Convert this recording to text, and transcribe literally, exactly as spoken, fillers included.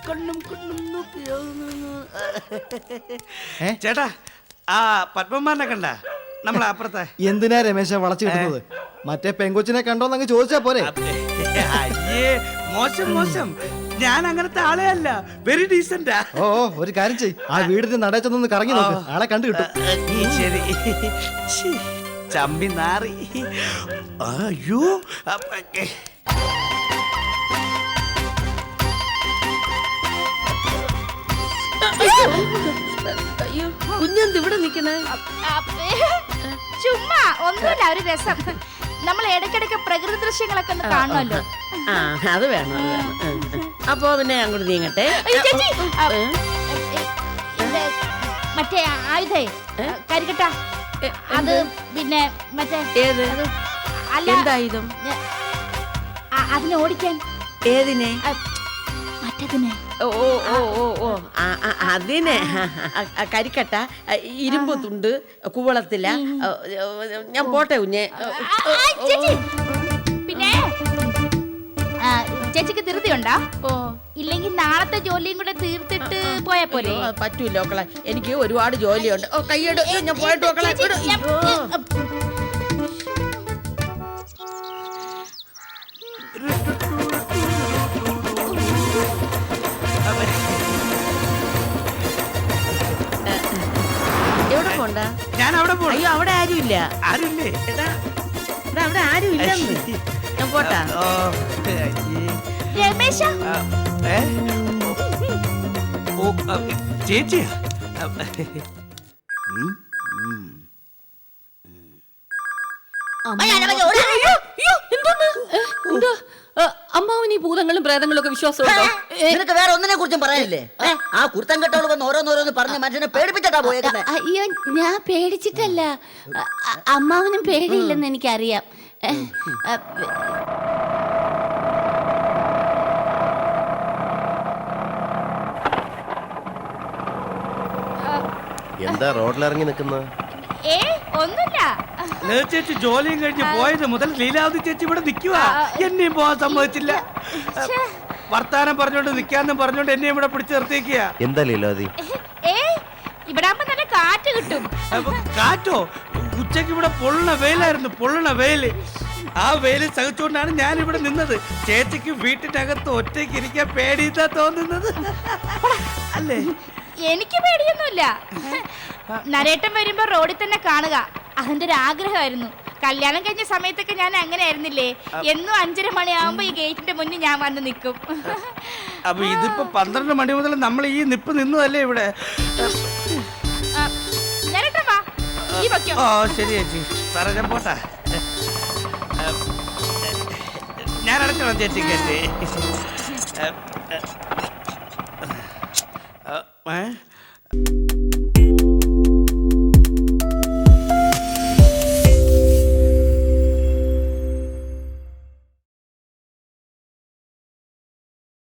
കണ്ണും കണ്ണും നോക്കിയോ. ചേട്ടാ ആ പത്മമാനെ കണ്ട നമ്മളെ അപ്പുറത്തെ. എന്തിനാ രമേശ വളച്ചു കിട്ടുന്നത്? മറ്റേ പെങ്കൊച്ചിനെ കണ്ടോന്ന് അങ്ങ് ചോദിച്ചാ പോരെ. അയ്യേ മോശം മോശം, ഞാൻ അങ്ങനത്തെ ആളെ അല്ല, വെരി ഡീസന്റാ. ഓ ഒരു കാര്യം ചെയ്, ആ വീടിന്റെ നടയച്ചൊന്ന് കറങ്ങി നോക്ക്, ആളെ കണ്ടു കിട്ടും. ശരി. ചമ്പി നാറി. അയ്യോ അയ്യോ കുഞ്ഞെന്ത് ഇവിടെ നിക്കണേ? ചുമ്മാ ഒന്നുമില്ല, ഒരു രസം. നമ്മൾ ഇടയ്ക്കിടയ്ക്ക് പ്രകൃതി ദൃശ്യങ്ങളൊക്കെ ഒന്ന് കാണുമല്ലോ. ആ അത് വേണം, അത് വേണം. അപ്പൊ പിന്നെ അങ്ങോട്ട് നീങ്ങട്ടെ. ചേച്ചി മറ്റേ ആയുധേ കരിക്കട്ട, അത് പിന്നെ മറ്റേ ഏത്? അല്ല എന്തായുധം? അതിനെ ഓടിക്കാൻ. ഏതിനെ? മറ്റേതിനെ. ഓ ഓ ഓ ഓ ഓ അതിനെ കരിക്കട്ട, ഇരുമ്പ് തുണ്ട്, കുവളത്തില. ഞാൻ പോട്ടെ കുഞ്ഞെ. പിന്നെ ചേച്ചിക്ക് ധൃതിയുണ്ടോ? ഇല്ലെങ്കിൽ നാളത്തെ ജോലിയും കൂടെ തീർത്തിട്ട് പോയാ പോലെ. പറ്റൂല മക്കളെ, എനിക്ക് ഒരുപാട് ജോലിയുണ്ട്. ഓ കൈയ്യട്, ഞാൻ പോയിട്ട് മക്കളെ. എവിടെ പോണ്ട? ഞാൻ അവിടെ പോയി. അയ്യോ അവിടെ ആരുമില്ല. ആരുമില്ലേ? അവിടെ ആരും ഇല്ലെന്ന്. ഞാൻ പോട്ടാ. രമേശ ചേച്ചിയാ? അമ്മാവന് ഈ ഭൂതങ്ങളും പ്രേതങ്ങളും ഒക്കെ വിശ്വാസമുണ്ടോ? നിനക്ക് വേറെ ഒന്നിനെ കുറിച്ചും പറയാനില്ലേ? ആ കുർത്തം കെട്ടോള് വന്ന് ഓരോന്നോരോന്ന് പറഞ്ഞ് മനുഷ്യനെ പേടിപ്പിച്ചിട്ടാ പോയേക്കുന്നത്. അയ്യോ ഞാൻ പേടിച്ചിട്ടല്ല, അമ്മാവനും പേടിയില്ലെന്ന് എനിക്കറിയാം. എന്താ റോഡിലിറങ്ങി നിൽക്കുന്ന? ഏ ഒന്നുമില്ല. ചേച്ചി ജോലിയും കഴിഞ്ഞ് പോയത് മുതൽ ലീലാവതി ചേച്ചി ഇവിടെ നിൽക്കുക. എന്നെയും പോവാൻ സമ്മതിച്ചില്ല. വർത്താനം പറഞ്ഞോണ്ട് നിക്കാന്നും പറഞ്ഞോണ്ട് എന്നെ ഇവിടെ പിടിച്ചു നിർത്തിക്കുക. എന്താ ലീലാവതി? ഏ ഇവിടെ ആവുമ്പോ നല്ല കാറ്റ് കിട്ടും. കാറ്റോ? ഉച്ചക്ക് ഇവിടെ പൊള്ളണ വെയിലായിരുന്നു, പൊള്ളണ വെയില്. ആ വെയില് സഹിച്ചുകൊണ്ടാണ് ഞാൻ ഇവിടെ നിന്നത്. ചേച്ചിക്ക് വീട്ടിനകത്ത് ഒറ്റയ്ക്ക് ഇരിക്കാൻ പേടിയിട്ടാ തോന്നുന്നത് അല്ലേ? എനിക്ക് പേടിയൊന്നുമില്ല. നരേട്ടൻ വരുമ്പോ റോഡിൽ തന്നെ കാണുക, അതിന്റെ ഒരു ആഗ്രഹമായിരുന്നു. കല്യാണം കഴിഞ്ഞ സമയത്തൊക്കെ ഞാൻ അങ്ങനെ ആയിരുന്നില്ലേ, എന്നും അഞ്ചര മണിയാവുമ്പോ ഈ ഗേറ്റിന്റെ മുന്നിൽ ഞാൻ വന്ന് നിൽക്കും. അപ്പൊ ഇതിപ്പോ പന്ത്രണ്ട് മണി മുതൽ നമ്മൾ ഈ നിപ്പ് നിന്നതല്ലേ ഇവിടെ? നരേട്ടൻ വാ, ഈ വയ്ക്കോ. ഓ ശരി ചേച്ചി, സാറേ ഞാൻ പോട്ടാ. ഞാൻ അടച്ചോളാം ചേച്ചി കേട്ട്. ഏ